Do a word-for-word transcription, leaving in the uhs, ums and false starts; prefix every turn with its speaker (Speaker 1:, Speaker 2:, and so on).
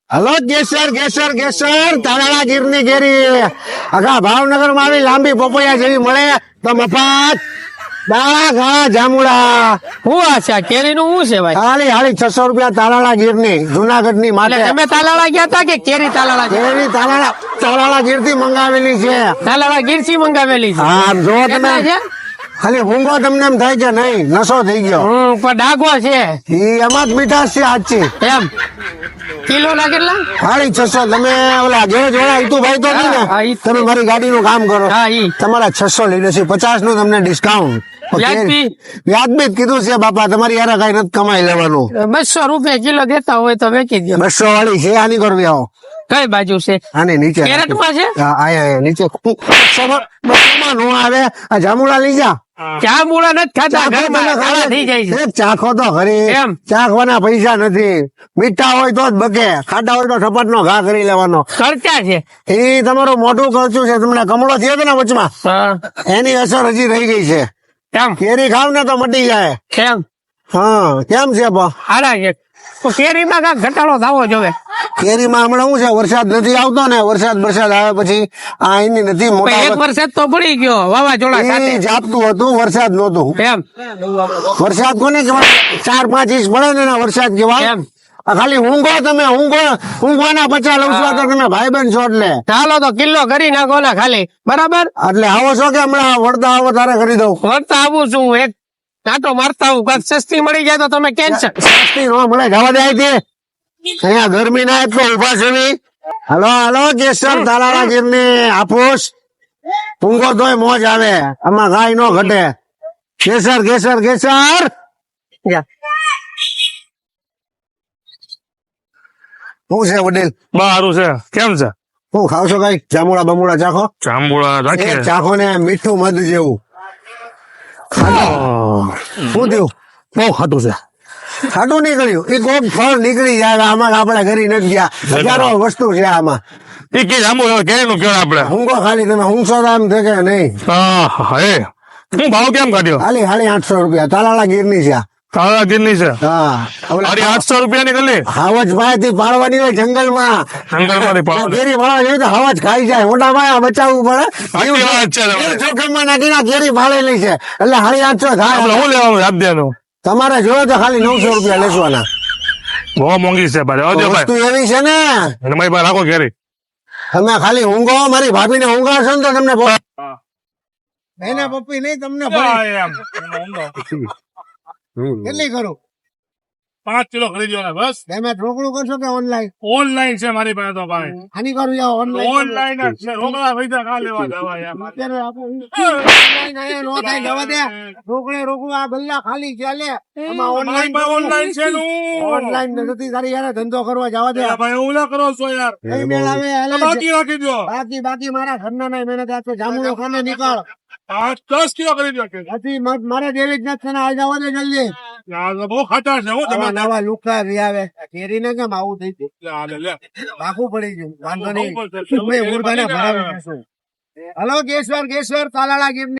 Speaker 1: Hello કેસર કેસર કેસર તારાળા ગીરની કેરી આખા ભાવનગર માં આવી લાંબી પપૈયા જેવી મળે તો મફત દાળા ઘા જામુડા
Speaker 2: હું આ છે કેરી નું શું છે ભાઈ?
Speaker 1: ખાલી હાલી છસો રૂપિયા તારાળા ગીરની જુનાગઢ ની માટે.
Speaker 2: એટલે તમે તાલાળા ગયા તા કે કેરી તાલાળા ગયા?
Speaker 1: કેરી તારાળા તારાળા ગીર થી મંગાવેલી છે.
Speaker 2: તાલાળા ગીર થી મંગાવેલી છે.
Speaker 1: હા જો તમે
Speaker 2: કેટલા છે?
Speaker 1: ખાલી ઊંઘો તમને એમ થાય કે નહીં નશો થઈ ગયો.
Speaker 2: હમ પણ ડાઘો છે
Speaker 1: ઈ એમાં જ મીઠાશ છે આજથી.
Speaker 2: એમ કિલો ના કેટલા?
Speaker 1: ખાલી છસો. તમે ઓલા ઘેર જોડા ઈતુભાઈ તો નહીં
Speaker 2: હા,
Speaker 1: ને
Speaker 2: ઈ.
Speaker 1: તમે મારી ગાડીનું કામ કરો
Speaker 2: હા ઈ
Speaker 1: તમારા છસો લઈ લેશે પચાસ નું તમને ડિસ્કાઉન્ટ.
Speaker 2: વ્યાજબી?
Speaker 1: વ્યાજબી જ કીધું છે બાપા તમારી યાર કઈ નથી કમાઈ લેવાનું.
Speaker 2: બસો રૂપિયા કિલો દેતા હોય તો વેચી દો.
Speaker 1: બસો વાળી છે આની કરવી આવો
Speaker 2: કઈ બાજુ છે?
Speaker 1: આની નીચે
Speaker 2: કેરેટ માં છે?
Speaker 1: હા, આયા આયા નીચે બસોમાં નો આવે આ જામુડા લઈ જા.
Speaker 2: ચા મૂળા નથી ખાતા
Speaker 1: ચાખો
Speaker 2: ઘરમાં
Speaker 1: તમે
Speaker 2: કાળા
Speaker 1: ખાલી.
Speaker 2: થઈ જાય છે.
Speaker 1: એક ચાખો તો ખરી
Speaker 2: એમ?
Speaker 1: ચાખવાના પૈસા નથી. મીઠા હોય તો જ બકે ખાટા હોય તો ઠપટ નો ઘા કરી લેવાનો.
Speaker 2: ખર્ચા છે.
Speaker 1: એ તમારું મોટું ખર્ચું છે. તમને કમળો થયો હતો ને વચમાં
Speaker 2: હા
Speaker 1: એની અસર હજી રહી ગઈ છે.
Speaker 2: એમ
Speaker 1: કેરી ખાવ ને તો મટી જાય.
Speaker 2: એમ
Speaker 1: હા કેમ છે બા?
Speaker 2: હારા છે તો કેરીમાં કાંઈક ઘટાડો થવો જોવે.
Speaker 1: કેરીમાં હમણાં શું છે વરસાદ નથી આવતો ને વરસાદ વરસાદ આવે પછી આ એની નથી
Speaker 2: પણ
Speaker 1: મોટા
Speaker 2: એક વરસાદ તો પડી ગયો વાવાઝોડા
Speaker 1: એ
Speaker 2: સાથે.
Speaker 1: જાપતું હતું વરસાદ નહોતું.
Speaker 2: એમ
Speaker 1: વરસાદ કોને કહેવાય? ચાર પાંચ ઇંચ પડે ને એના વરસાદ કહેવાય.
Speaker 2: એમ
Speaker 1: આ ખાલી ઊંઘો તમે ઊંઘો ઊંઘવાના પચાસ લઉં છું તો તમે ભાઈ બંધ છો એટલે
Speaker 2: ચાલો તો કિલ્લો કરી નાખો ને ખાલી બરાબર.
Speaker 1: એટલે આવો છો કે હમણાં વળતા આવો તારે કરી દઉં.
Speaker 2: વળતા આવું છું એક નાટો મારતા આવું કાંઈક સસ્તી મળી જાય તો તમે કેન્સર.
Speaker 1: સસ્તી નો મળે જવા દે અહીંથી. અહીંયા ગરમી ના એટલો ઉભા છે બી. હલો હલો કેસર તાલાળા ગીર ની હાફૂસ ઊંઘો તોય મોજ આવે આમાં ગાય નો ઘટે. કેસર કેસર કેસર શું છે વડીલ?
Speaker 3: બારું છે કેમ છે?
Speaker 1: શું ખાવ છો કઈ? જામુડા બમુડા ચાખો.
Speaker 3: જાંબુડા
Speaker 1: એ
Speaker 3: રાખીએ.
Speaker 1: ચાખો ને મીઠું મધ જેવું. શું થયું?
Speaker 3: બહુ ખાટું છે.
Speaker 1: ખાટું નીકળ્યું એ કોક ફળ નીકળી જાય આમાં આપડે ઘરી નથી ગયા. હજારો વસ્તુ છે આમાં.
Speaker 3: એ કે જાંબુ કેરી નું કેવા આપડે?
Speaker 1: ઊંઘો ખાલી તમે ઊંઘશો તો આમ થશે નહીં.
Speaker 3: હા હે હું ભાવ કેમ કાઢ્યો?
Speaker 1: ખાલી ખાલી આઠસો રૂપિયા તાલાળા ગીર ની છે આ.
Speaker 3: તારા ગીરની છે.
Speaker 1: હા
Speaker 3: અરે આઠસો રૂપિયા ની ગલી
Speaker 1: હાવજ ભાઈ થી પાડવાની હોય જંગલ માં.
Speaker 3: જંગલ માંથી પાડો.
Speaker 1: કેરી પાડવા જોઈએ તો હાવજ ખાઈ જાય મોટા ભાઈ બચાવવું પડે.
Speaker 3: સાચી વાત છે તમારી.
Speaker 1: જોખમમાં નાખીને કેરી પાડેલી છે એટલે હાડી આઠસો
Speaker 3: આપણે
Speaker 1: થાય.
Speaker 3: શું લેવાનું યાદ દેવાનું?
Speaker 1: તમારે જોયો તો ખાલી નવસો રૂપિયા લેસવાના.
Speaker 3: બહુ મોંઘી છે ભાઈ. આવજો
Speaker 1: વસ્તુ
Speaker 3: ભાઈ
Speaker 1: એવી છે ને
Speaker 3: અને મારી પાસે રાખો કેરી.
Speaker 1: તમે ખાલી ઊંઘો મારી ભાભી ને ઊંઘાશો ને તો તમને એને પપ્પી નહીં તમને કેટલી કરું?
Speaker 3: પાંચ કિલો ખરીદ્યો ને બસ.
Speaker 1: તમે રોકડું કરશો કે ઓનલાઈન?
Speaker 3: ઓનલાઈન છે મારી પાસે તો ભાઈ.
Speaker 1: આની કરું યાર ઓનલાઈન.
Speaker 3: ઓનલાઈન જ છે. રોકડા પૈસા કા લેવા જવા યાર.
Speaker 1: અત્યારે આપણે ઓનલાઈન આયા નો થાય જવા દે. રોકડે રોકડું આ ગલ્લા ખાલી ચાલે. આમાં ઓનલાઈન
Speaker 3: ઓનલાઈન છે નું.
Speaker 1: ઓનલાઈન નથી તારી યાર ધંધો કરવા જવા દે.
Speaker 3: ભાઈ હું ના કરો છો યાર.
Speaker 1: કઈ મેળ આવે હાલે.
Speaker 3: બાકી રાખી દો.
Speaker 1: બાકી બાકી મારા ઘરના ના મહેનત આ તો જામુડો ખાને નીકળ.
Speaker 3: પાંચ દસ કિલો ખરીદ્યો કે.
Speaker 1: હજી મ- મારે દેવી જ નથી ને આ જવા દે જલ્દી.
Speaker 3: યાર તો બહુ ખાટા છે હો
Speaker 1: નવા
Speaker 3: તમે.
Speaker 1: નવા લુકા રી આવે કેરી ને કેમ આવું થઈ ગયું?
Speaker 3: લે, લે, લે.
Speaker 1: રાખવું પડી ગયું વાંધો નહીં.
Speaker 3: બહુ પડશે.
Speaker 1: મેં મુર્ગાને ભરાવી દઈશું. હલો કેશવર કેશવર તાલાળા ગીર